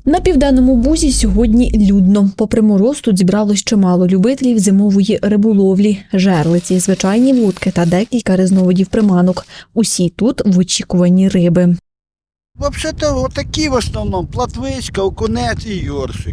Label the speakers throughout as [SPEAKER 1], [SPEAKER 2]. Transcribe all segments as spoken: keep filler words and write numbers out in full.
[SPEAKER 1] На Південному Бузі сьогодні людно. Попри мороз, тут зібралось чимало любителів зимової риболовлі, жерлиці, звичайні вудки та декілька різновидів приманок. Усі тут в очікуванні риби.
[SPEAKER 2] Взагалі-то отакі в основному, платвичка, окунець і йоршик.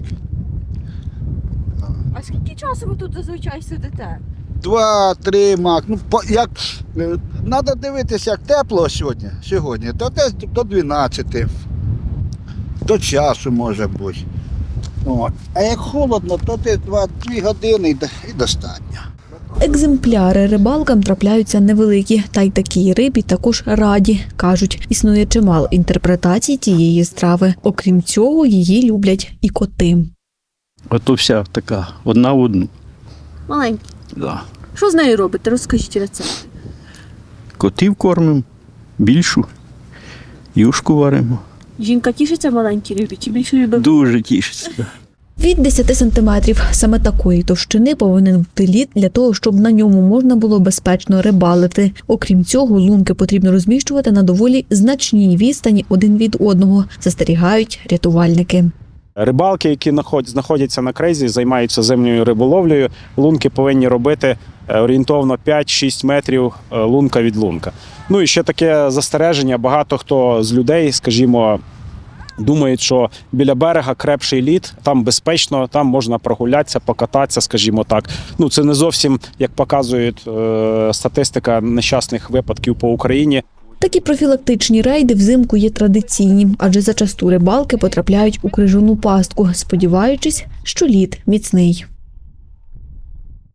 [SPEAKER 3] А скільки часу ви тут зазвичай сидите?
[SPEAKER 2] Два-три мак. Ну, по- як, треба дивитися, як тепло сьогодні, сьогодні, то десь до дванадцяти, до часу може бути. От. А як холодно, то десь два-дві години і до- і достатньо.
[SPEAKER 1] Екземпляри рибалкам трапляються невеликі, та й такій рибі також раді. Кажуть, існує чимало інтерпретацій тієї страви. Окрім цього, її люблять і коти.
[SPEAKER 4] Ото вся така, одна в одну.
[SPEAKER 3] Маленькі.
[SPEAKER 4] Да.
[SPEAKER 3] Що з нею робите? Розкажіть рецепт.
[SPEAKER 4] Котів кормимо, більшу, юшку варимо.
[SPEAKER 3] Жінка тішиться маленькій рибі чи більше любить?
[SPEAKER 4] Дуже тішиться.
[SPEAKER 1] Від десяти сантиметрів. Саме такої товщини повинен бути лід для того, щоб на ньому можна було безпечно рибалити. Окрім цього, лунки потрібно розміщувати на доволі значній відстані один від одного, застерігають рятувальники.
[SPEAKER 5] Рибалки, які знаходяться на крейзі, займаються зимньою риболовлею, лунки повинні робити орієнтовно п'ять-шість метрів лунка від лунка. Ну і ще таке застереження, багато хто з людей, скажімо, думають, що біля берега крепший лід, там безпечно, там можна прогулятися, покататися, скажімо так. Ну це не зовсім, як показує е, статистика нещасних випадків по Україні.
[SPEAKER 1] Такі профілактичні рейди взимку є традиційні, адже зачасту рибалки потрапляють у крижану пастку, сподіваючись, що лід міцний.